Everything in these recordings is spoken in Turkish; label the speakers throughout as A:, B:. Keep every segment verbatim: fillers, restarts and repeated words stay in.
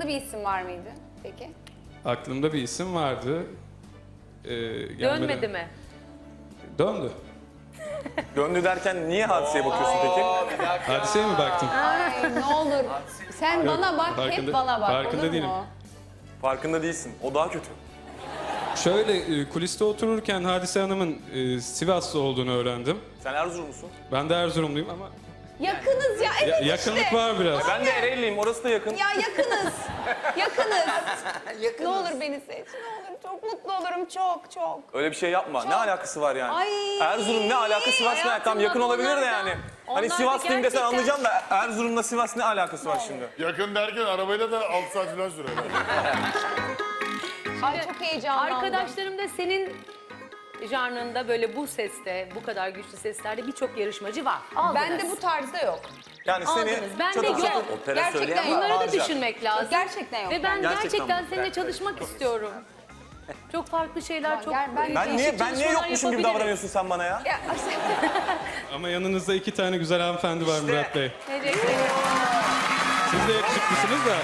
A: Aklında bir isim var mıydı peki?
B: Aklımda bir isim vardı. Ee, gelmeden-
C: Dönmedi mi?
B: Döndü.
D: Döndü derken niye Hadise'ye bakıyorsun peki?
B: Hadiseye mi baktın?
A: Ay ne olur. Sen bana bak, hep
B: farkında-
A: bana bak.
B: farkında
A: olur
B: değilim.
A: mu?
D: Farkında değilsin. O daha kötü.
B: Şöyle e, kuliste otururken Hadise Hanım'ın e, Sivaslı olduğunu öğrendim.
D: Sen Erzurumlusun.
B: Ben de Erzurumluyum ama
A: Yakınız ya, evet
B: ya-
A: işte.
B: yakınlık var biraz.
D: Ben de Ereğliyim. Orası da yakın.
A: Ya yakınız. yakınız. Ne olur beni seç, ne olur. Çok mutlu olurum, çok çok.
D: Öyle bir şey yapma. Ne alakası var yani?
A: Ay,
D: Erzurum ne alakası var? Tam
C: hayatımda
D: yakın olabilir de
C: onlar da-
D: yani.
C: onlar
D: Hani
C: da
D: Sivaslıyım desen
C: gerçekten-
D: anlayacağım da Erzurum'la Sivas ne alakası var şimdi?
E: Yakın derken arabayla da altı saat falan sürer.
A: Ay çok heyecanlandım.
C: Arkadaşlarım da senin janrında böyle bu seste, bu kadar güçlü seslerde birçok yarışmacı var. Aldınız.
A: Bende bu tarzda yok.
D: Yani seni
C: Aldınız. Ben
D: çok
C: de
D: güzel-
C: yok.
D: Opera
A: Gerçekten
D: söyleyen
A: yok.
D: var.
C: Bunları da
D: Harca.
C: düşünmek lazım.
A: Gerçekten yok.
C: Ve ben
D: Gerçekten
C: gerçekten,
D: mi?
C: seninle çalışmak istiyorum. Çok farklı şeyler, çok
A: gel, ben-
D: Ben
C: değişik
D: niye ben niye
C: çalışmalar
D: yokmuşum gibi
C: yapabiliriz.
D: davranıyorsun sen bana ya?
A: Ya,
B: Ama yanınızda iki tane güzel hanımefendi var Murat Bey.
C: Teşekkür ederim.
B: Siz de yakışıklısınız da.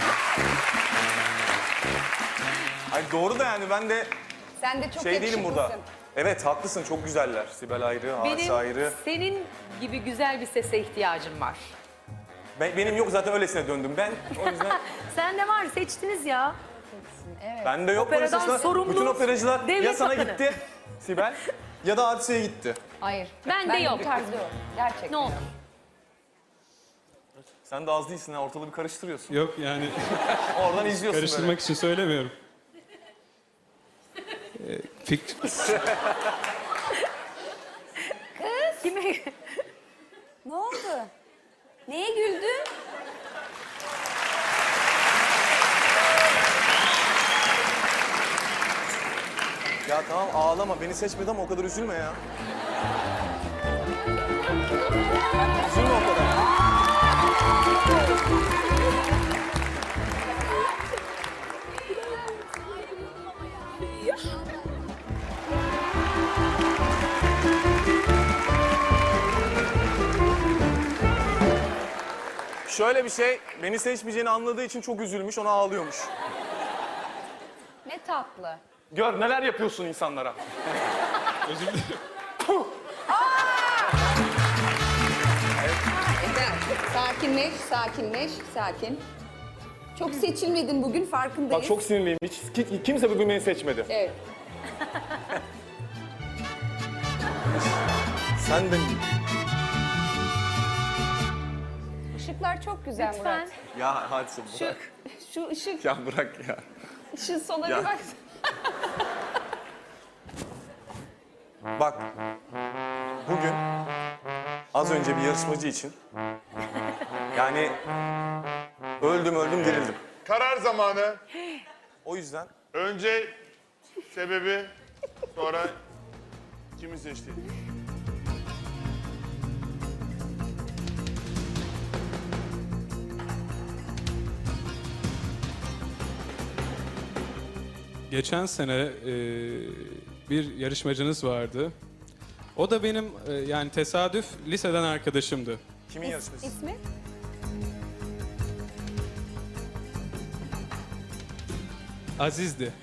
D: Ay doğru da yani ben de
A: sen de çok
D: şey değilim burada.
A: yakışıklısın.
D: Evet haklısın çok güzeller. Sibel ayrı, Hadise
C: Benim
D: ayrı.
C: senin gibi güzel bir sese ihtiyacım var.
D: Ben, benim yok zaten öylesine döndüm ben. O yüzden
C: Sen de var, seçtiniz ya.
D: bende yok
C: Operadan
D: öylesine.
C: sorumlu
D: Bütün operacılar
C: devlet
D: ya sana
C: bakanı.
D: gitti Sibel ya da Hadise'ye gitti.
A: Hayır.
C: Ben de yok.
A: Bu tarzda yok. Gerçekten.
C: Ne olur.
D: Sen de az değilsin ha ortalığı bir karıştırıyorsun.
B: Yok yani
D: Oradan izliyorsun
B: karıştırmak için söylemiyorum. Ee, fik-
C: Kime?
A: Ne oldu? Neye güldün?
D: böyle. Ya tamam ağlama beni seçmedi ama o kadar üzülme ya. Üzülme o kadar. Şöyle bir şey, beni seçmeyeceğini anladığı için çok üzülmüş, ona ağlıyormuş.
A: Ne tatlı.
D: Gör neler yapıyorsun insanlara.
B: Özür dilerim.
A: Evet. Sakinleş, sakinleş, sakin. Çok seçilmedin bugün, farkındayız.
D: Bak çok sinirliyim, hiç ki- kimse bugün beni seçmedi.
A: Evet.
D: Sen de...
A: Işıklar çok güzel
C: Lütfen.
A: Murat.
D: Ya Hadise
A: Şu,
D: bırak.
A: şu ışık,
D: Ya bırak ya.
A: şu sola
D: Ya.
A: bir bak.
D: Bak, bugün az önce bir yarışmacı için yani öldüm öldüm dirildim.
E: Karar zamanı.
D: O yüzden
E: Önce sebebi, sonra kimi seçti?
B: Geçen sene e, bir yarışmacınız vardı. O da benim e, yani tesadüf liseden arkadaşımdı.
D: kimin yarışması?
A: İsmi?
B: Aziz'di. E,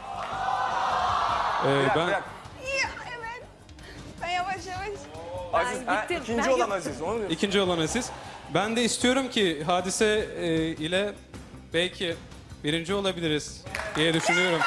D: Bir dakika,
B: ben
D: bir dakika.
A: Ya evet. Ben yavaş yavaş.
D: Aziz, ha,
C: gittim,
D: ikinci
C: ben
D: olan
C: gittim.
D: Aziz, onu diyorsun.
B: ikinci olan Aziz. Ben de istiyorum ki Hadise e, ile belki birinci olabiliriz diye düşünüyorum.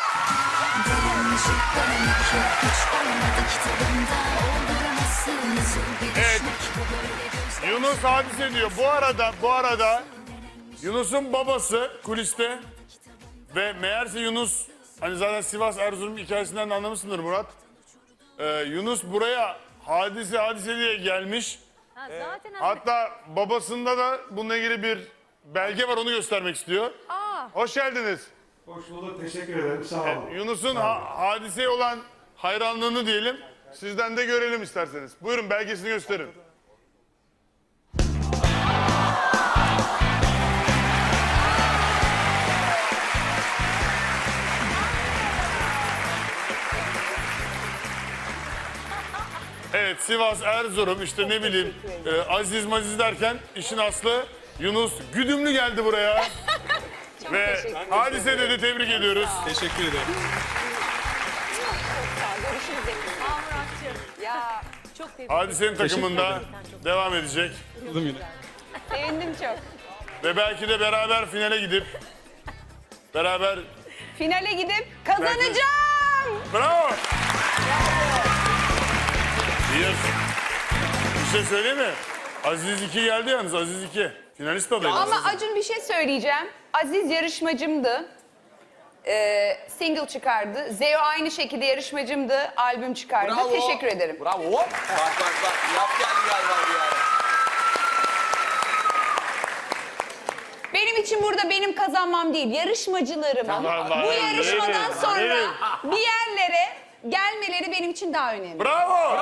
E: Evet. Yunus Hadise diyor. Bu arada, bu arada Yunus'un babası kuliste ve meğerse Yunus, hani zaten Sivas Erzurum hikayesinden de anlamışsındır Murat. Ee, Yunus buraya Hadise Hadise diye gelmiş.
C: Ha, zaten
E: Hatta babasında da bununla ilgili bir belge var, onu göstermek istiyor. Hoş geldiniz.
F: Hoş bulduk, teşekkür ederim. Sağ olun.
E: Yunus'un ha- hadiseye olan hayranlığını diyelim. Sizden de görelim isterseniz. Buyurun belgesini gösterin. Evet, Sivas, Erzurum, işte ne bileyim e, Aziz Maziz derken işin aslı Yunus güdümlü geldi buraya. Ve Hadise dedi, tebrik ediyoruz.
B: Teşekkür ederim.
A: Görüşürüz yakında.
C: Aa Muratcığım.
A: Ya
C: Çok tebrik
E: Hadise'nin takımında devam edecek.
B: Buldum yine.
A: sevindim çok.
E: Ve belki de beraber finale gidip beraber...
A: Finale gidip kazanacağım.
E: Bravo! Bir, bir şey söyleyeyim mi? Aziz iki geldi yalnız, Aziz iki. Finalist adayı.
A: Ama Acun bir şey söyleyeceğim. Aziz yarışmacımdı. Ee, single çıkardı. Zeo aynı şekilde yarışmacımdı. Albüm çıkardı.
G: Bravo.
A: Teşekkür ederim.
G: Bravo. Hop. Bak bak bak. Yap gel galiba bir ara.
A: Benim için burada benim kazanmam değil, yarışmacılarımın
E: Vallahi
A: bu yarışmadan
E: evet,
A: sonra
E: evet.
A: bir yerlere gelmeleri benim için daha önemli.
E: Bravo!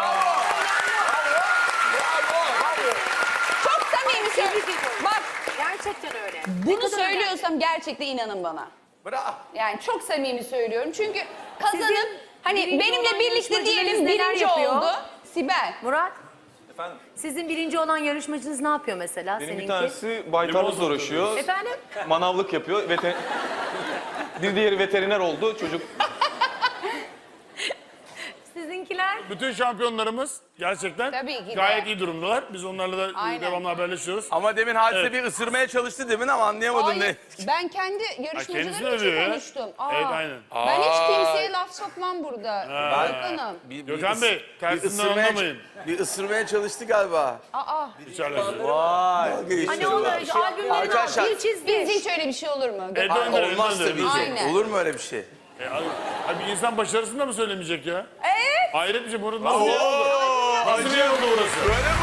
A: Çok samimi söylüyorum. Bak
C: Gerçekten öyle.
A: bunu söylüyorsam gerçekten inanın bana.
G: Bravo.
A: Yani çok samimi söylüyorum. Çünkü kazanıp
C: Sizin
A: hani
C: birinci
A: benimle
C: olan
A: birlikte
C: yarışmacılarınız
A: diyelim
C: neler
A: birinci
C: yapıyor?
A: oldu. Sibel.
C: Murat,
D: Efendim?
C: sizin birinci olan yarışmacınız ne yapıyor mesela
D: Benim
C: seninki?
D: bir tanesi baytarlıkla uğraşıyor.
C: Efendim?
D: Manavlık yapıyor. Veter... bir diğeri veteriner oldu. Çocuk
C: Sizinkiler?
E: Bütün şampiyonlarımız gerçekten
A: Tabii ki de.
E: gayet iyi durumdalar. Biz onlarla da
A: Aynen.
E: devamlı haberleşiyoruz.
G: Ama demin Hadise
E: Evet.
G: bir ısırmaya çalıştı demin ama anlayamadım
A: Hayır,
G: ne.
A: ben kendi
E: kendisini
A: yarışmacılarım
E: övüyor
A: için
E: ya.
A: konuştum. Aa,
E: Evet, aynen.
A: Ben hiç kimseye laf sokmam burada. Hanım.
G: Bir, bir
E: Gökhan
G: ıs-
E: Bey,
G: bir
E: tersinden
G: ısırmaya,
E: anlamayın.
G: bir ısırmaya çalıştı galiba.
A: Aa,
E: Hiç alakası.
G: Vay.
C: Hani o albümlerini
G: Arkadaşlar,
C: bir çizdi.
A: biz hiç öyle bir şey olur mu?
E: Evet,
G: Aa,
E: Önder,
G: olmaz
E: Önder.
G: tabii ki.
A: Aynen.
G: Olur mu öyle bir şey?
E: E, abi, abi bir insan başarısını da mı söylemeyecek ya?
A: Evet.
E: Hayret bir şey. Burası nasıl bir yer oldu? Nasıl bir yer oldu burası?
G: Böyle mi